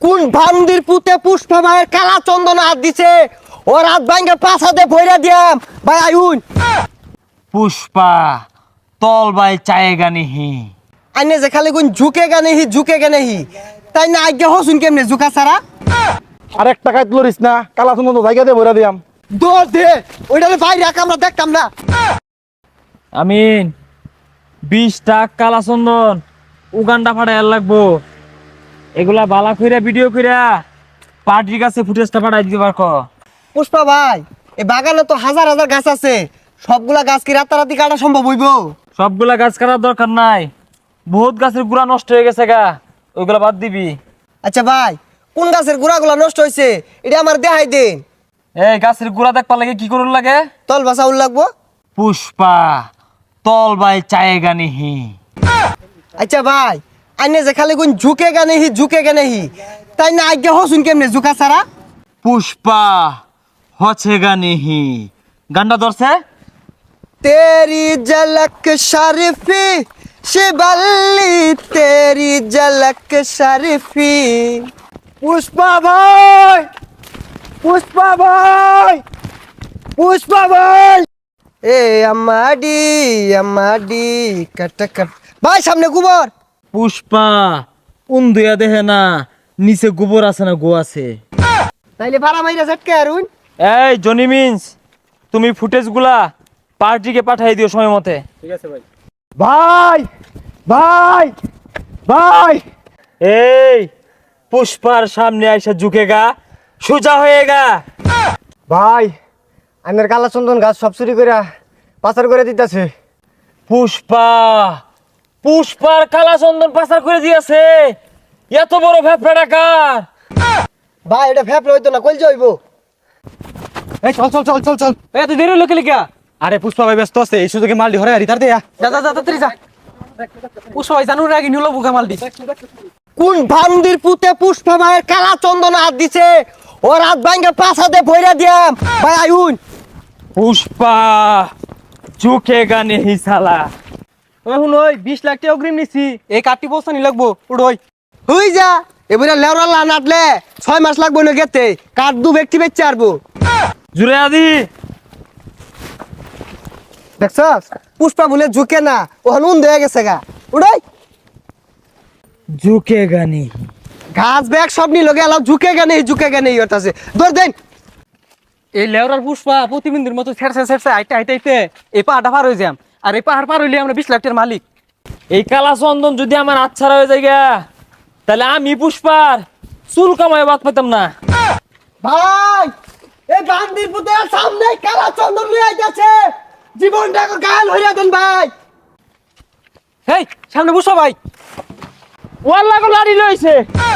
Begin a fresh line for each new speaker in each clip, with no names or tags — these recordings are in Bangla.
কোন ভান্দির পুতে পুষ্পা ভাইয়ের কালা চন্দন হাত দিছে ও রাত ভাঙ্গে পাছাতে ভইরা দিয়াম ভাই আইউন
পুষ্পা তল বাই চায়েগা নিহি
আইনে যে খালি কোন ঝুঁকে গানে হি তাই না আজ্ঞা হসুন কেমনে ঝুঁকা ছাড়া
আরেক টাকায় তুলিস না কালা সুন্দর জায়গা দিয়ে ভরে দিয়াম
দৌড় দে ওইটা বাইরে রাখ আমরা দেখতাম না
আমিন 20 টাকা কালা চন্দন উগান্ডা ফাটাই লাগবো এগুলা বালা কইরা ভিডিও কইরা পার্টির কাছে ফুটেজটা পাঠাই দিতে পারকো
পুষ্পা ভাই এই বাগানে তো হাজার হাজার গাছ আছে সবগুলা গাছ কি রাতারাতি কাটা সম্ভব হইব
সবগুলা গাছ কাটার দরকার নাই বহুত গাছের গুড়া নষ্ট হয়ে গেছে গা ওইগুলা বাদ দিবি
আচ্ছা ভাই কোন গাছের গুড়াগুলা নষ্ট হয়েছে এটা আমার দেখাই দিন
এই গাছের গুড়া দেখবার লাগে কি করুন লাগে
তল বাসা উল লাগবো
পুষ্পা তল বাই চায়েগা নিহি
আচ্ছা ভাই আইনে যে খালি কোন ঝুঁকে গানে হি তাই না আজ্ঞা হসুন কেমনে ঝুঁকা ছাড়া
পুষ্পা হছেগা নিহি গান্ডা ধরছে
तेरी झलक शरीफी शिबल्ली तेरी झलक शरीफी पुष्पा भाई पुष्पा भाई पुष्पा भाई ए अम्माडी कट कट भाई सामने गोबर
পুষ্পা উন্দুয়া দেহে না নিচে গোবর আছে না গো আছে
তাইলে ভাড়া মাইরা ঝটকে আরুন
এই জনি মিন্স তুমি ফুটেজগুলা পার্টিকে পাঠিয়ে দিও সময় মতে
ভাই ভাই ভাই
এই পুষ্পার সামনে আইসা ঝুঁকেগা সোজা হয়েগা
ভাই আমার কালা চন্দন গাছ সব চুরি করে পাচার করে দিতেছে
পুষ্পা পুষ্পার কালা চন্দন পাচার করে দিয়েছে এত বড় ভ্যাপড়া ডাকার
ভাই এটা ফেপলে হইতো না কইল যাইব
এই চল চল চল চল চল
এত দেরি লোকে লিখা
আরে পুষ্পা ভাই ব্যস্ত আছে এই সুযোগে মাল দি হরে রিতার দেয়া
যা যা যা তাড়াতাড়ি যা পুষ্পা ভাই জানুর আগে নিলো বুকা মাল দিস
কোন ভান্দির পুতে পুষ্পা ভাইয়ের কালা চন্দন হাত দিছে ও রাত ভাঙ্গে পাছাতে ভইরা দিয়াম ভাই আইউন
পুষ্পা ঝুঁকেগা নেহি সালা
এখন ওই 20 লাখ টাকা অগ্রিম নিছি এই কাটি বস্তা নি লাগবো উড়ই
হই যা এবারে লেওরা লা নাটলে 6 মাস লাগবো না গেতে কাট দু ব্যক্তি বেচে আরবো
জুড়ে আদি
দেখছস পুষ্পা বলে ঝুঁকে না ও হনুন দেয়া গেছে গা উড়াই
ঝুঁকেগা নেহি
ঘাস ব্যাগ সব নি লগে আলাও ঝুঁকে গানে হতাছে দৌড় দেন
এই লেওরার পুষ্পা প্রতিবিন্দুর মতো ছেড়ছে আইতে এই পাহাড়টা পার হয়ে যাম আর এই পাহাড় পার হইলে আমরা 20 লাখ টাকার মালিক
এই কালা চন্দন যদি আমার আচ্ছারা হয়ে যায় গা, তাহলে আমি পুষ্পার চুল কামায় বাদ পেতাম না
ভাই এই বান্দির পুতে সামনে কালা চন্দন লই আইতাছে জীবনটাকে গাল হইরা দেন ভাই
এই সামনে পুষ্পা ভাই
ওয়াল্লা গো লাড়ি লইছে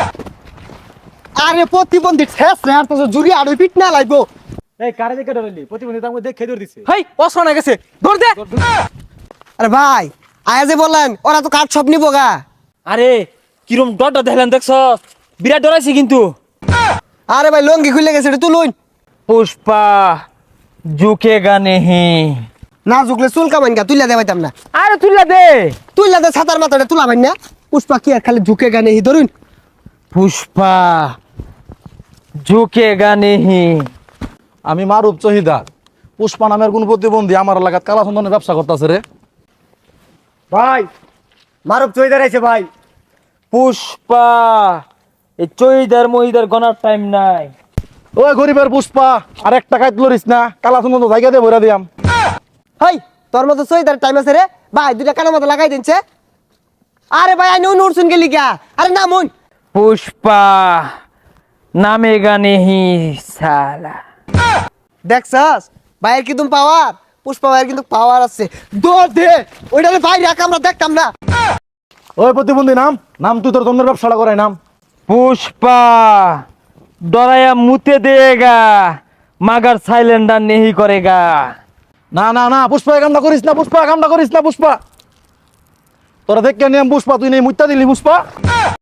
আরে প্রতিবন্ধী ঠেস রে আর তো জুরি আড়ই পিট না লাইবো
এই কারে দেখে ডরাইলি প্রতিবন্ধী তার মধ্যে দেখে ধরে দিছে
হেই অস্ত্র না গেছে ধর দে
আরে ভাই আয়া যে বললেন ওরা তো কাঠ সব নিবো গা
আরে কিরম ডরটা দেখলেন দেখছ বিরাট ডরাইছে কিন্তু
আরে ভাই লঙ্গি খুলে গেছে এটা তুলুন
পুষ্পা ঝুঁকেগা নেহি
না ঝুকলে চুল কামাইন গা তুইলা দেবাইতাম না
আরে তুইলা দে
তুইলা দে ছাতার মাথাটা তুলাবেন না পুষ্পা কি আর খালি ঝুঁকে গানে হি ধরুন
পুষ্পা ঝুঁকেগা নেহি
আমি মারুপ চহিদার পুষ্পা নামের কোন প্রতিবন্ধী আমার এলাকাত কালা চন্দনের ব্যবসা করতেছে রে
ভাই মারুপ চইদার আইছে ভাই
পুষ্পা এই চইদার মহিদার গনার টাইম নাই
ওই গরিবের পুষ্পা আরেক টাকায় তুলিস না কালা চন্দন জায়গা দিয়ে ভরে দিয়াম
হাই তোর মতো চইদার টাইম আছে রে ভাই দুইটা কানের মতো লাগাই দিনছে আরে ভাই আইন উড়ছুন গেলি গা আরে না মন
পুষ্পা নামেগা নেহি সালা
দেখছস ভাইয়ের কিন্তু পাওয়ার পুষ্পা ভাইয়ের কিন্তু পাওয়ার আছে দৌড় দে ওইটা ভাই রাখ আমরা দেখতাম না
ওই প্রতিবন্ধী নাম নাম তুই তোর চন্দনের ব্যবসাটা করাই নাম
পুষ্পা ডরায়া মুতে দেগা মাগার সাইলেন্ডার নেহি করেগা
না না না পুষ্পা এই কামটা করিস না পুষ্পা কামটা করিস না পুষ্পা তোরা দেখে নিয়ম পুষ্পা তুই নেই মুত্তা দিলি পুষ্পা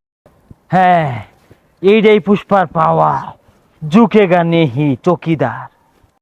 হ্যাঁ এইটাই পুষ্পার পাওয়া ঝুঁকেগা নেহি চকিদার